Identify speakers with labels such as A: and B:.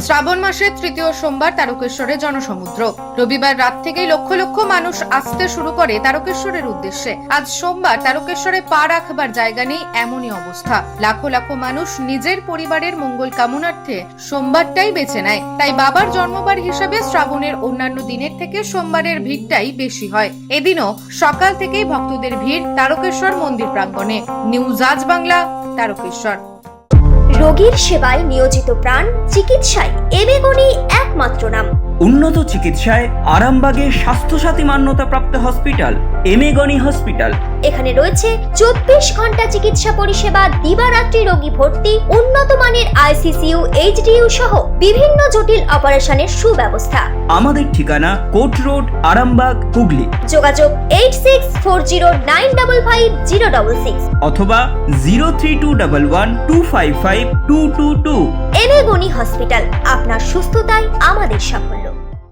A: শ্রাবণ মাসের তৃতীয় সোমবার তারকেশ্বরে জনসমুদ্র। রবিবার রাত থেকেই লক্ষ লক্ষ মানুষ আসতে শুরু করে তারকেশ্বরের উদ্দেশ্যে। আজ সোমবার তারকেশ্বরে পা রাখবার জায়গা নেই, এমনই অবস্থা। লাখো লাখো মানুষ নিজের পরিবারের মঙ্গল কামনার্থে সোমবারটাই বেছে নেয়। তাই বাবার জন্মবার হিসাবে শ্রাবণের অন্যান্য দিনের থেকে সোমবারের ভিড়টাই বেশি হয়। এদিনও সকাল থেকেই ভক্তদের ভিড় তারকেশ্বর মন্দির প্রাঙ্গণে। নিউজ আজ বাংলা, তারকেশ্বর।
B: রোগীর সেবায় নিয়োজিত প্রাণ, চিকিৎসায় এবেগুনি একমাত্র নাম।
C: উন্নত চিকিৎসায় আরামবাগে স্বাস্থ্যসাথী মান্যতাপ্রাপ্ত হসপিটাল এমেগনি হসপিটাল।
B: এখানে রয়েছে 24 ঘন্টা চিকিৎসা পরিষেবা, দিবারাত্রি রোগী ভর্তি, উন্নত মানের আইসিইউ, এইচডিইউ সহ বিভিন্ন জটিল অপারেশনের সুব্যবস্থা।
C: আমাদের ঠিকানা কোট রোড, আরামবাগ, হুগলি।
B: যোগাযোগ 8640955066
C: অথবা 032112552222।
B: এবেগুনি হসপিটাল, আপনার সুস্থতাই আমাদের সাফল্য।